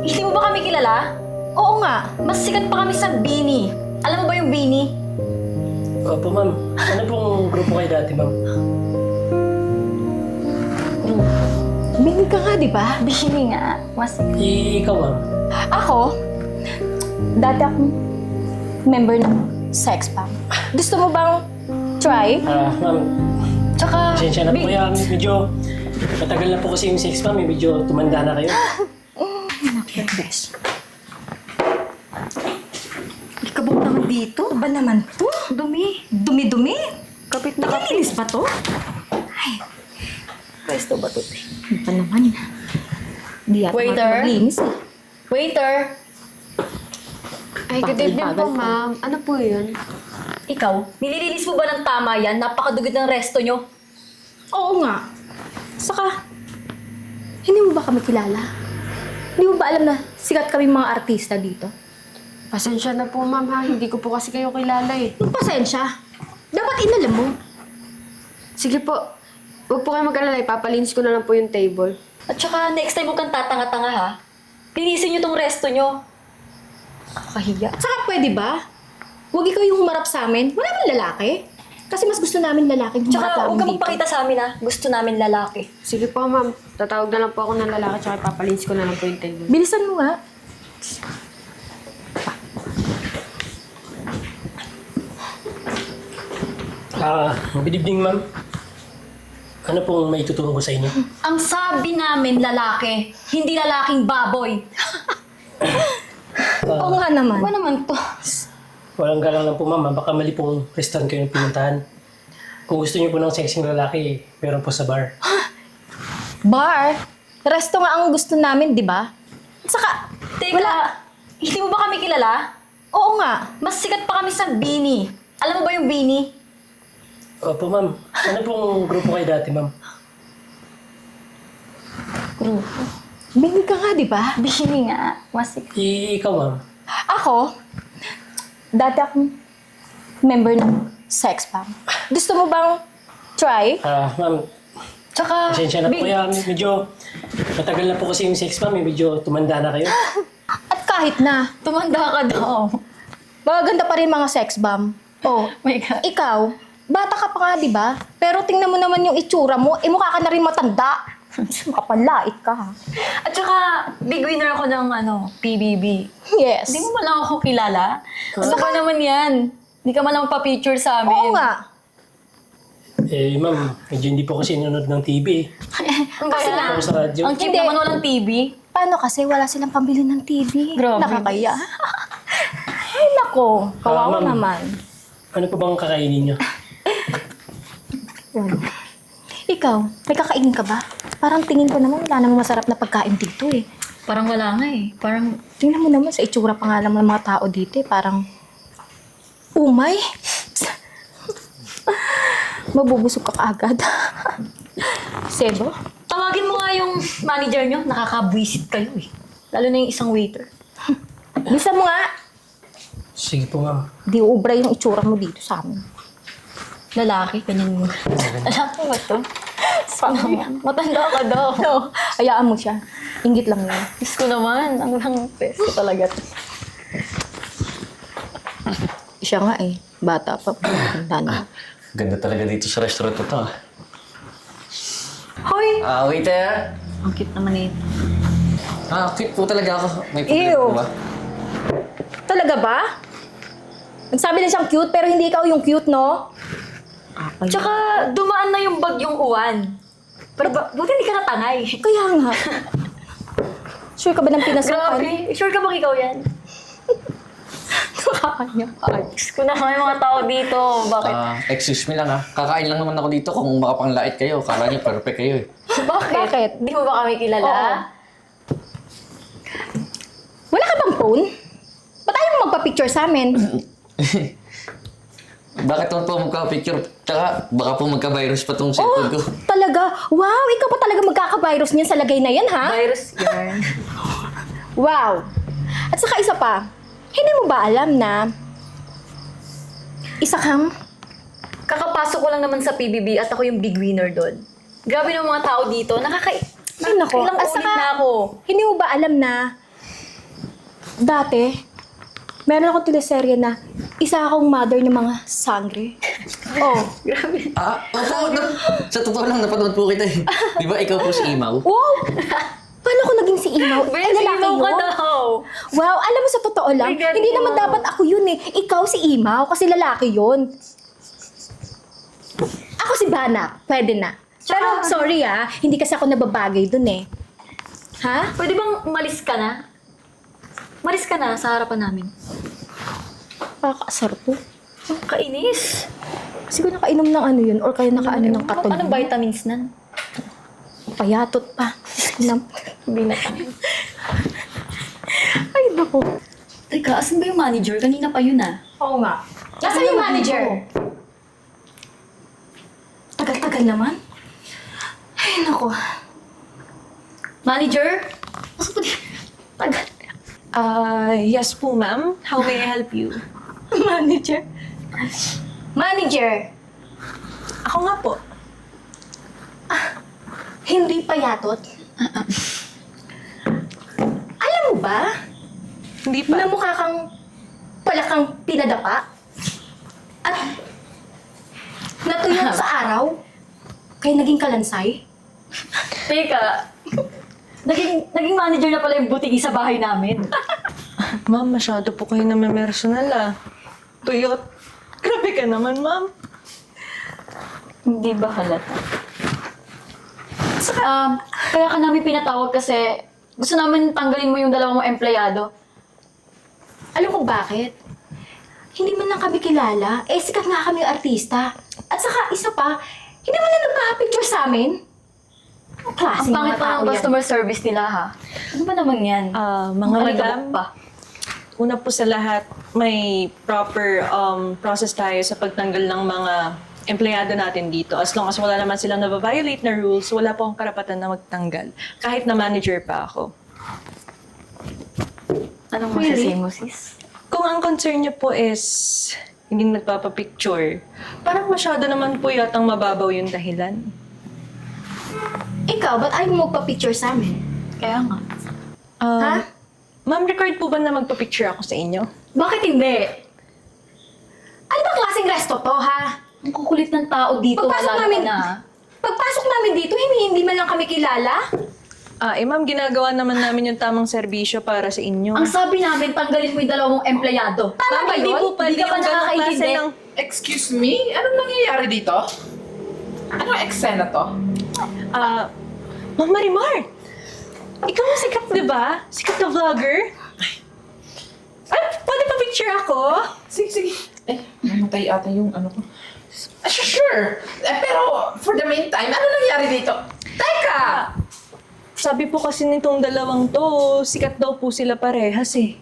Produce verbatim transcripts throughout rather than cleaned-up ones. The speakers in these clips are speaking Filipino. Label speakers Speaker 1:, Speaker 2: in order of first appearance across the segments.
Speaker 1: Hindi mo ba kami kilala? Oo nga, mas sikat pa kami sa Bini. Alam mo ba yung Bini?
Speaker 2: Opo, ma'am. Ano pong grupo kayo dati, ma'am?
Speaker 3: Bini ka nga, di ba?
Speaker 1: Bini nga. Mas...
Speaker 2: Eh, ikaw, ma'am.
Speaker 3: Ako, dati akong member ng sex bomb. Gusto mo bang try?
Speaker 2: Ah, ma'am.
Speaker 1: Tsaka...
Speaker 2: Pasensya na po
Speaker 1: Big-
Speaker 2: kaya. Medyo matagal na po kasi yung sex, ma'am. Eh. Medyo tumanda na kayo.
Speaker 3: Besh.
Speaker 1: Ikabog naman dito.
Speaker 3: Ba naman to?
Speaker 1: Dumi.
Speaker 3: Dumi-dumi?
Speaker 1: Kapit na kapit.
Speaker 3: Nakalinis ba to? Ay,
Speaker 1: Pwesto ba to?
Speaker 3: ano pa naman? Di yata
Speaker 1: Waiter?
Speaker 3: maglinis eh.
Speaker 1: Waiter!
Speaker 4: Ay, good evening
Speaker 3: Bagal-bagal
Speaker 4: po,
Speaker 3: po.
Speaker 4: ma'am. Ano po yun?
Speaker 1: Ikaw, nililinis mo ba ng tama yan? Napakadugid ng resto nyo.
Speaker 3: Oo nga. Saka, hindi mo ba kami kilala? Hindi mo ba alam na sikat kami mga artista dito?
Speaker 4: Pasensya na po, ma'am, ha? Hindi ko po kasi kayo kilala, eh.
Speaker 3: Yung pasensya. Dapat inalam mo.
Speaker 4: Sige po. Huwag po kayo mag-alala. Ipapalinis ko na lang po yung table.
Speaker 1: At saka, next time huwag kang tatanga-tanga ha. Linisin nyo tong resto nyo. Kakahiya.
Speaker 3: At saka pwede ba? Huwag ikaw yung humarap sa amin. Wala bang lalaki? Kasi mas gusto namin lalaki yung humarap
Speaker 1: Tsaka, huwag
Speaker 3: namin
Speaker 1: kang
Speaker 3: dito.
Speaker 1: magpakita sa amin ha. Gusto namin lalaki.
Speaker 4: Sige po, ma'am. Tatawag na lang po ako ng lalaki tsaka ipapalinis ko na lang po yung table.
Speaker 3: Bilisan mo nga.
Speaker 2: Ah, good evening, ma'am. Ano pong may tutulong ko sa inyo?
Speaker 1: Ang sabi namin lalaki, hindi lalaking baboy.
Speaker 3: Oo nga naman.
Speaker 1: Ano naman to?
Speaker 2: Walang galang lang po, ma'am. Baka mali pong restaurant kayo pinuntahan. Kung gusto niyo po ng sexing lalaki, meron po sa bar.
Speaker 3: Bar? Resto nga ang gusto namin, di ba? At saka,
Speaker 1: Teka,
Speaker 3: wala.
Speaker 1: hindi mo ba kami kilala?
Speaker 3: Oo nga.
Speaker 1: Mas sikat pa kami sa Bini. Alam mo ba yung Bini?
Speaker 2: Opo, ma'am. Ano pong grupo kayo dati, ma'am?
Speaker 1: Grupo.
Speaker 3: Bini ka nga, di ba?
Speaker 1: Bini nga. Mas sikat.
Speaker 2: Eh, ikaw, ma'am.
Speaker 3: Ako, dati akong member ng sex bomb. Gusto mo bang try?
Speaker 2: Ah, ma'am.
Speaker 1: Tsaka,
Speaker 2: Pasensya na po
Speaker 1: big-
Speaker 2: kaya. Medyo matagal na po kasi yung sex, ma'am. Eh. Medyo tumanda na kayo.
Speaker 3: At kahit na,
Speaker 1: tumanda ka daw.
Speaker 3: magaganda pa rin mga sex bomb. Oh,
Speaker 1: My God.
Speaker 3: ikaw, bata ka pa nga, di ba? Pero tingnan mo naman yung itsura mo, eh mukha ka na rin matanda. Makapalait ka, ha?
Speaker 1: At saka, big winner ako ng ano, P B B.
Speaker 3: Yes.
Speaker 1: Hindi mo man lang ako kilala? Ano ba naman yan? Hindi ka man lang pa-picture sa amin.
Speaker 3: Oo nga.
Speaker 2: Eh, ma'am. Medyo hindi po kasi nanonood ng T V. eh.
Speaker 1: Ang
Speaker 3: Kasi
Speaker 1: kaya?
Speaker 2: Ako sa radyo.
Speaker 1: Ang cheap
Speaker 3: Hindi.
Speaker 1: naman walang T V.
Speaker 3: Paano kasi wala silang pambili ng T V?
Speaker 1: Grabe.
Speaker 3: Nakakaya. Ay, nako. Kawawa
Speaker 2: Ah, ma'am.
Speaker 3: naman.
Speaker 2: Ano po bang kakainin niyo?
Speaker 3: Yan. Ikaw, may kakainin ka ba? Parang tingin ko naman wala namang masarap na pagkain dito eh.
Speaker 1: Parang wala nga eh. Parang,
Speaker 3: Tingnan mo naman sa itsura pa nga lang ng mga tao dito eh. Parang, umay. Mabubusog ka kaagad. Sebo?
Speaker 1: tawagin mo nga yung manager nyo. Nakakabwisit kayo eh. Lalo na yung isang waiter.
Speaker 3: Bisa mo nga.
Speaker 2: Sige po, ma'am.
Speaker 3: Di ubra yung itsura mo dito sa amin.
Speaker 1: Lalaki, ganyan mo. Lalaki ba to? Sana matanda ka daw.
Speaker 3: No, hayaan mo siya. Ingit lang yun.
Speaker 1: Diyos ko naman. Ang lang peso talaga to.
Speaker 3: Siya nga eh. Bata pa. Tanda na.
Speaker 5: Ganda talaga dito sa restaurant na to. ah.
Speaker 1: Hoy!
Speaker 5: Ah, waiter!
Speaker 1: Ang cute naman ito.
Speaker 5: Ah, cute po talaga ako. May problema
Speaker 3: Ew.
Speaker 5: po ba?
Speaker 3: Talaga ba? Nagsabi na siyang cute, pero hindi ikaw yung cute, no?
Speaker 1: Tsaka, dumaan na yung bagyong uwan. Pero ba, buti hindi ka natangay.
Speaker 3: Kaya nga. Sure ka ba ng pinasukan?
Speaker 1: Grabe. Sure ka bang ikaw yan?
Speaker 3: Nakakanya pa.
Speaker 1: Diyos ko naman yung mga tao dito. Bakit?
Speaker 5: Ah, excuse me lang ah. Kakain lang naman ako dito kung makapanglait kayo. Kala niyo perfect kayo eh.
Speaker 1: Bakit?
Speaker 3: Bakit?
Speaker 1: Di mo ba kami kilala?
Speaker 3: Oo. Wala ka bang phone? Ba't ayaw mo magpa-picture sa amin?
Speaker 5: Bakit naman po magka-picture? Tsaka baka po magka-virus pa tong cellphone ko.
Speaker 3: Talaga? Wow, ikaw pa talaga magkaka-virus niyan sa lagay na yan, ha?
Speaker 1: Virus yarn.
Speaker 3: Wow. At saka isa pa, hindi mo ba alam na isa kang
Speaker 1: Kakapasok ko lang naman sa P B B at ako yung big winner doon. Grabe ng mga tao dito. Nakaka...
Speaker 3: Ay, nako.
Speaker 1: Ilang
Speaker 3: At
Speaker 1: ulit
Speaker 3: saka,
Speaker 1: na ako.
Speaker 3: hindi mo ba alam na dati, meron akong teleserye na isa akong mother ng mga sangre. Oh.
Speaker 5: Ah, opo. Na, sa totoo lang, napanood po kita eh. Di ba ikaw po si Imaw?
Speaker 3: Wow! Paano ko naging si Imaw?
Speaker 1: Be,
Speaker 3: Ay, lalaki
Speaker 1: sino ka
Speaker 3: yun.
Speaker 1: daw?
Speaker 3: Wow, alam mo sa totoo lang,
Speaker 1: Ay, galing
Speaker 3: hindi naman
Speaker 1: mo.
Speaker 3: dapat ako yun eh. Ikaw si Imaw kasi lalaki yun. Ako si Banak, pwede na. Pero sorry ah, hindi kasi ako nababagay dun eh. Ha?
Speaker 1: Pwede bang umalis ka na? Umalis ka na sa harapan namin.
Speaker 3: Nakakaasar to.
Speaker 1: Oh, kainis.
Speaker 3: Siguro nakainom ng ano yun or kaya nakaano ng katon.
Speaker 1: Anong vitamins nan?
Speaker 3: Payatot pa. Hindi na. Ay, naku.
Speaker 1: Teka, asan ba yung manager? Kanina pa yun ah.
Speaker 3: Oo nga. Nasaan yung manager? Tagal-tagal naman. Ay, naku.
Speaker 1: Manager? Asa pa di? Tagal.
Speaker 6: Uh, yes po, ma'am. How may I help you?
Speaker 3: Manager? Manager!
Speaker 6: Ako nga po.
Speaker 3: Hindi payatot? Alam mo ba?
Speaker 6: Hindi pa.
Speaker 3: Na mukha kang palakang pinadapa? At natuyo sa araw? Kaya naging kalansay?
Speaker 1: Teka. Naging, naging manager na pala yung butiki sa bahay namin.
Speaker 6: Ma'am, masyado po kayo naman personal ah. Tuyot. Grabe ka naman, ma'am.
Speaker 1: Hindi ba halata? Um, kaya ka namin pinatawag kasi gusto namin tanggalin mo yung dalawang mong empleyado.
Speaker 3: Alam ko bakit? Hindi man lang kami kilala. Eh, sikat nga kami artista. At saka, isa pa, hindi man lang nagpa-picture sa amin. Ang klase
Speaker 1: Ang pangit pa ng customer service nila ha. Ano ba naman yan?
Speaker 6: Ah, mga
Speaker 1: Ang
Speaker 6: madam,
Speaker 1: alikabok pa.
Speaker 6: una po sa lahat, may proper um, process tayo sa pagtanggal ng mga empleyado natin dito. As long as wala naman silang nababiolate na rules, wala po akong karapatan na magtanggal. Kahit na manager pa ako.
Speaker 1: Anong
Speaker 3: Really?
Speaker 1: masasabi mo, sis?
Speaker 6: Kung ang concern niyo po is hindi nagpapapicture, parang masyado naman po yatang mababaw yung dahilan.
Speaker 3: Ikaw, ba't ayaw mo magpa-picture sa amin?
Speaker 1: Kaya nga.
Speaker 6: Um,
Speaker 3: Ha?
Speaker 6: Ma'am, record po ba na magpa-picture ako sa inyo?
Speaker 1: Bakit hindi?
Speaker 3: Ano ba klaseng resto to, ha?
Speaker 1: Ang kukulit ng tao dito.
Speaker 3: Pagpasok
Speaker 1: lalo
Speaker 3: namin,
Speaker 1: ka na.
Speaker 3: pagpasok namin dito, hindi, hindi man lang kami kilala.
Speaker 6: Ah, eh ma'am, ginagawa naman namin yung tamang serbisyo para sa inyo.
Speaker 1: Ang sabi namin, tanggalin mo yung dalawang mong empleyado.
Speaker 3: Tama
Speaker 6: Ma'am,
Speaker 3: ba
Speaker 6: hindi
Speaker 3: yun?
Speaker 6: po pwede
Speaker 1: Hindi ka pa
Speaker 6: yung ganong klase
Speaker 1: nakakaintindi.
Speaker 6: ng...
Speaker 7: Excuse me? Anong nangyayari dito? Anong eksena to?
Speaker 6: Ah, Ma'am Marimar! Ikaw ang sikat, di ba? Sikat na vlogger? Ay, pwede pa picture ako?
Speaker 7: Sige, sige. Eh, namatay ata yung ano ko. Ah, sure, sure. Eh, pero for the meantime, ano nangyayari dito? Teka!
Speaker 6: Sabi po kasi nitong dalawang to, sikat daw po sila parehas eh.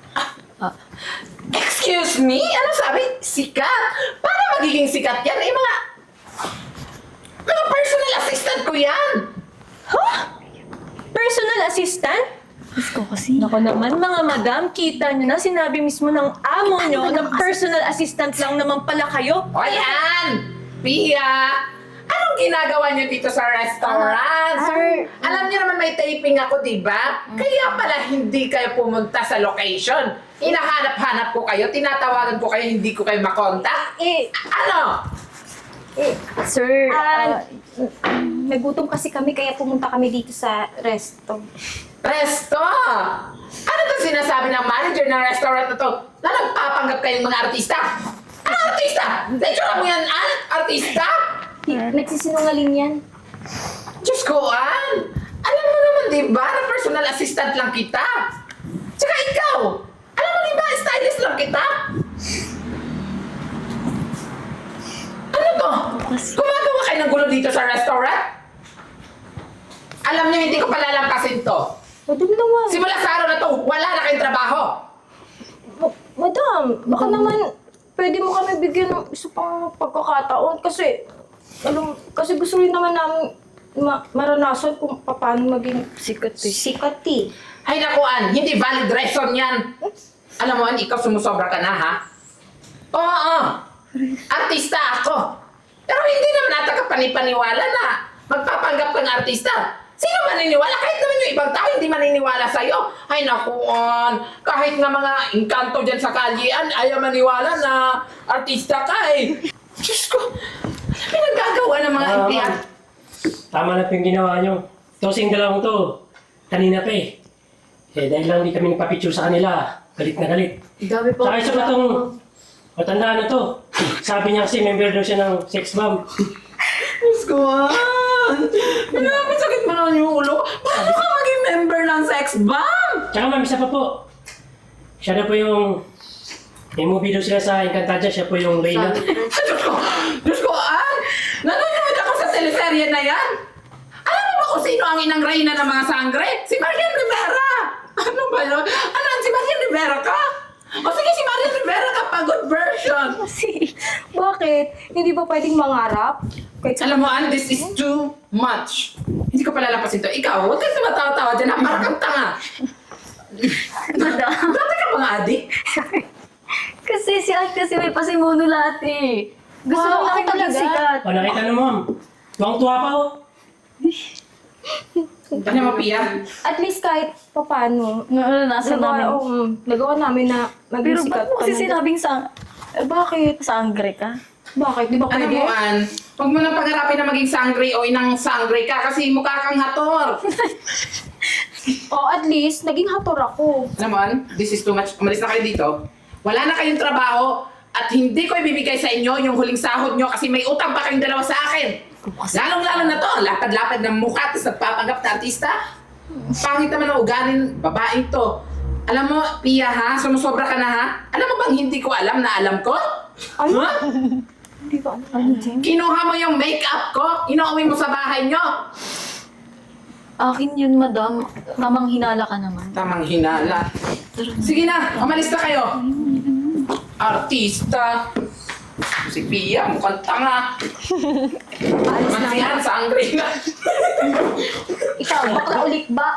Speaker 7: Excuse me? Ano sabi? Sikat? Paano magiging sikat yan? Eh, mga... Mga personal assistant ko yan!
Speaker 6: Huh? Personal assistant?
Speaker 1: Diyos ko kasi.
Speaker 6: Nako naman, mga madam, kita nyo na, sinabi mismo ng amo nyo na personal assistant lang naman pala kayo.
Speaker 7: O yan! Pia! Anong ginagawa niyo dito sa restaurant?
Speaker 1: sir.
Speaker 7: Alam niyo naman may taping ako, di ba? Kaya pala hindi kayo pumunta sa location. Hinahanap-hanap ko kayo, tinatawagan ko kayo, hindi ko kayo makontak.
Speaker 3: Eh,
Speaker 7: Ano?
Speaker 1: Sir,
Speaker 3: ah,
Speaker 1: ah,
Speaker 3: nagutom kasi kami kaya pumunta kami dito sa resto.
Speaker 7: Presto! Ano to sinasabi ng manager ng restaurant na to? Na nagpapanggap kayong mga artista? Ano artista? Naitsura mo yan, ah? Artista?
Speaker 3: Nagsisinungaling yan.
Speaker 7: Diyos ko, Ann! Alam mo naman, di ba, na personal assistant lang kita? Tsaka ikaw! Alam mo, di ba, stylist lang kita? Ano to? Gumagawa kayo ng gulo dito sa restaurant? Alam niyo, hindi ko palalampasin to.
Speaker 3: Madam naman.
Speaker 7: Simula sa araw na to, wala na kayong trabaho.
Speaker 3: Ma- Madam, baka naman pwede mo kami bigyan ng isa pang pagkakataon kasi alam, kasi gusto rin naman namin ma- maranasan kung paano maging
Speaker 1: sikat eh.
Speaker 3: sikat eh.
Speaker 7: Ay naku, Ann, hindi valid reason yan. Alam mo, Ann, ikaw sumusobra ka na, ha? Oo, artista ako. Pero hindi naman ata ka panipaniwala na magpapanggap kang artista. Sino maniniwala? Kahit naman yung ibang tao hindi maniniwala sa'yo. Ay nakuan, kahit nga mga engkanto dyan sa kalyean, ayaw maniwala na artista ka eh. Diyos ko, pinagagawa ng mga
Speaker 2: Ah,
Speaker 7: empleyado.
Speaker 2: ma'am. Tama na po yung ginawa nyo. Tosing dalawang to, kanina pa eh. Eh, dahil lang hindi kami nagpapicture sa kanila, galit na galit.
Speaker 4: Dami po.
Speaker 2: Tsaka isa pa tong matanda na to. Sabi niya kasi member daw siya ng sex bomb.
Speaker 7: Diyos ko, ah. Pinapasakit mo naman yung ulo. Paano ka maging member ng sex bomb?
Speaker 2: Tsaka ma'am, isa pa po. Siya na po yung... May movie daw sila sa Encantadia, siya po yung Reyna.
Speaker 7: Diyos ko, Diyos ko, ah. Nanonood ako sa teleserye na yan. Alam mo ba kung sino ang inang reyna ng mga sangre? Si Marian Rivera. Ano ba yun? Ano, si Marian Rivera ka? O sige, si Marian Rivera ka, pagod version.
Speaker 3: Kasi, bakit? Hindi ba pwedeng mangarap? Kahit sa...
Speaker 7: Alam mo, Ann, this is too much. Hindi ko palalapasin to. Ikaw, huwag kang tumatawa-tawa dyan. ah. Parang kang tanga.
Speaker 3: Madam.
Speaker 7: Dati ka mga adik.
Speaker 1: Kasi si Ate kasi may pasimuno lahat eh. Gusto
Speaker 3: Wow,
Speaker 1: lang namin
Speaker 3: ako
Speaker 1: maging
Speaker 3: talaga.
Speaker 1: sikat.
Speaker 2: O, nakita na ma'am. Tuwang-tuwa pa oh.
Speaker 7: Ano mo, Pia?
Speaker 3: At least kahit papano,
Speaker 1: Naranasan
Speaker 3: nagawa,
Speaker 1: namin.
Speaker 3: um, nagawa namin na maging
Speaker 1: Pero
Speaker 3: sikat
Speaker 1: ba't mo kasi
Speaker 3: ka na-
Speaker 1: sinabing sa...
Speaker 3: Eh, bakit?
Speaker 1: Sangre ka?
Speaker 3: Bakit? Di ba
Speaker 7: Ano
Speaker 3: pwede?
Speaker 7: mo, Ann? Huwag mo nang pagharapin na maging sangre o inang sangre ka kasi mukha kang hator.
Speaker 3: O at least, naging hator ako.
Speaker 7: Alam mo, Ann, this is too much. Umalis na kayo dito. Wala na kayong trabaho at hindi ko ibibigay sa inyo yung huling sahod nyo kasi may utang pa kayong dalawa sa akin. Lalong-lalo na to, ang lapad-lapad ng mukha tapos nagpapanggap na artista. Pangit naman ang ugali ng babaeng to. Alam mo, Pia ha, sumusobra ka na ha? Alam mo bang hindi ko alam na alam ko?
Speaker 3: Ano?
Speaker 7: Ha?
Speaker 3: Hindi ba? Ano, Jen?
Speaker 7: Kinuha mo yung makeup ko, inuwi mo sa bahay nyo.
Speaker 1: Akin yun, madam. Tamang hinala ka naman.
Speaker 7: Tamang hinala. Sige na, umalis na kayo. Artista. Si Pia, mukhang tanga. Alis na yan, sangre na.
Speaker 1: Ikaw, bakla ulit ba?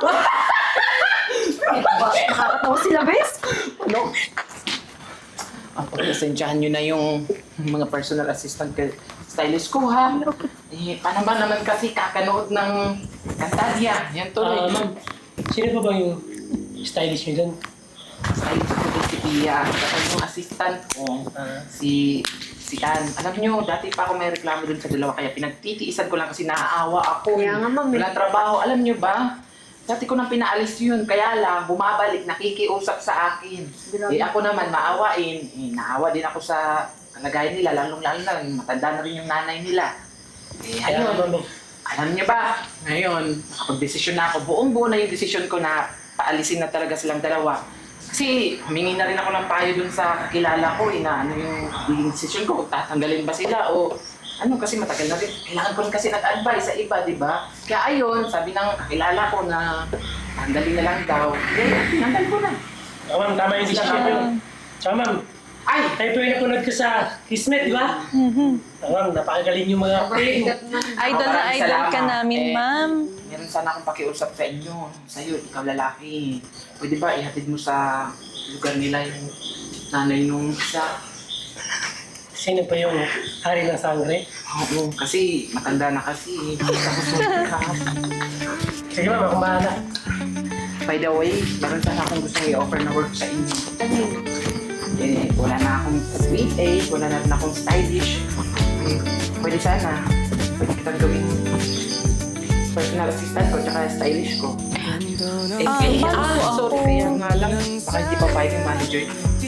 Speaker 1: ba? Nakakatawa sila, bes?
Speaker 7: Ano? Ang pagkasensyahan nyo na yung mga personal assistant ka, stylist ko ha. Eh, paano ba naman kasi kakanood ng Cantadia? Yan
Speaker 2: Ah,
Speaker 7: tuloy.
Speaker 2: ma'am, sino pa ba yung stylist niyo dun?
Speaker 7: Stylist ko din si Pia. Tapos yung assistant ko, si si Ann. Alam nyo, dati pa ako may reklamo dun sa dalawa kaya pinagtitiisan ko lang kasi naaawa ako.
Speaker 4: Kaya nga, ma'am, eh.
Speaker 7: Walang trabaho. Alam nyo ba? Dati ko nang pinaalis yun, kaya lang bumabalik, nakikiusap sa akin. Eh ako naman, maawain. Eh, naawa din ako sa kalagayan nila, lalong-lalo na, matanda na rin yung nanay nila. Eh,
Speaker 2: Kaya
Speaker 7: ayun.
Speaker 2: ma'am, eh.
Speaker 7: Alam niyo ba, ngayon, nakapag-desisyon na ako. Buong-buo na yung desisyon ko na paalisin na talaga silang dalawa. Kasi humingi na rin ako ng payo dun sa kakilala ko, eh, na ano yung magiging desisyon ko, kung tatanggalin ba sila o ano, kasi matagal na rin. Kailangan ko rin kasi nag-advise sa iba, di ba? Kaya ayun, sabi ng kakilala ko na tanggalin na lang daw. Eh, tinanggal ko na.
Speaker 2: Ah, ma'am, tama yung decision niyo. Tsaka ma'am,
Speaker 7: Ay!
Speaker 2: tayo po yung napanood ko sa Kismet, di ba? Mm-hmm. Ma'am, napakagaling yung mga acting.
Speaker 6: Idol na
Speaker 7: Maraming
Speaker 6: idol ka
Speaker 7: salamat.
Speaker 6: namin,
Speaker 7: Eh,
Speaker 6: ma'am.
Speaker 7: Meron sana akong pakiusap sa inyo. Sa'yo, ikaw lalaki. Pwede ba ihatid mo sa lugar nila yung nanay nung isa?
Speaker 2: Sino pa yung hari ng sangre?
Speaker 7: Oo, kasi matanda na kasi. Tapos ka.
Speaker 2: Sige ma'am, akong bahala.
Speaker 7: By the way, meron sana akong gustong i-offer na work sa inyo. Eh, wala na akong sweet aid, wala na rin akong stylish. Eh, pwede sana. Pwede kitang gawing personal assistant ko tsaka stylish ko. Eh,
Speaker 6: Ah,
Speaker 7: eh,
Speaker 6: bago
Speaker 7: ah,
Speaker 6: ako.
Speaker 7: sorry, kaya nga lang. Baka hindi pa pwede yung manager.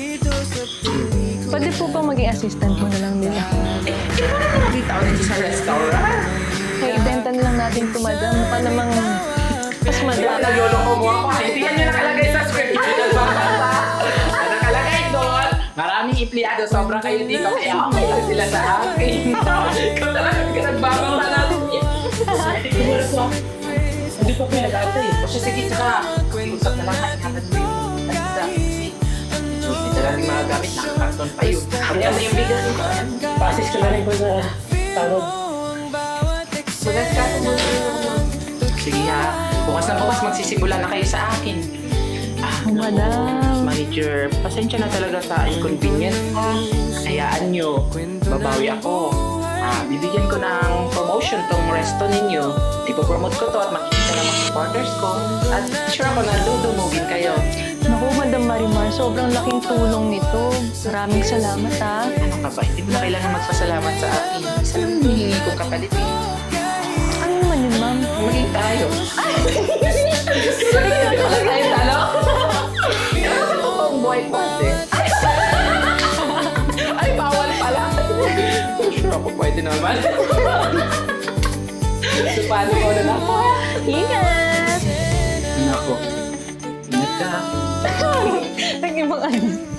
Speaker 6: Pwede po ba maging assistant mo na lang nila?
Speaker 7: Eh, hindi mo naman nakita ko dito sa restaurant.
Speaker 6: Kaya ibenta na lang natin ito, madam. Mukha namang mas
Speaker 7: Diba,
Speaker 6: madami.
Speaker 7: nagloloko mo ako. Hindi yan yung nakalagay sa script. Hindi nagbabasa. Ang nakalagay doon, maraming empleyado, sobra kayo dito. Kaya okay lang sila sa akin. Ikaw talaga hindi ka nagbabasa natin yan.
Speaker 2: Tumulong po. Hindi pa po yung nag-aantay.
Speaker 7: O siya, sige, tsaka, usap na lang, ingatan mo yung tanda. So, hindi talaga yung mga gamit, nakakarton pa yun. Ano yan na yung bigas mo?
Speaker 2: Pa-assist ko na rin po sa tanong.
Speaker 7: Sulat ka, sige ha, bukas na bukas magsisimula na kayo sa akin. Ah,
Speaker 6: Oh, madam.
Speaker 7: Manager, pasensya na talaga sa inconvenience ha. Hayaan nyo, babawi ako. Ha? ah, bibigyan ko ng promotion tong resto ninyo. Ipopromote ko to at makikita ng mga supporters ko. At sure ako na dudumugin kayo.
Speaker 6: Naku, Madam Marimar, sobrang laking tulong nito. Maraming salamat, ha?
Speaker 7: Ano ka ba? Hindi mo na kailangan magpasalamat sa akin. Isa lang hinihingi kong kapalit eh.
Speaker 6: Ano naman yun, ma'am?
Speaker 7: Maging tayo. Wala tayo talo. Ano sa totoong buhay ko din? Ay, bawal pala. Sure ako, pwede naman. So, paano ko na lang?
Speaker 6: Ingat!
Speaker 7: Nako. Ingat ka.
Speaker 6: Nag-ibang ano.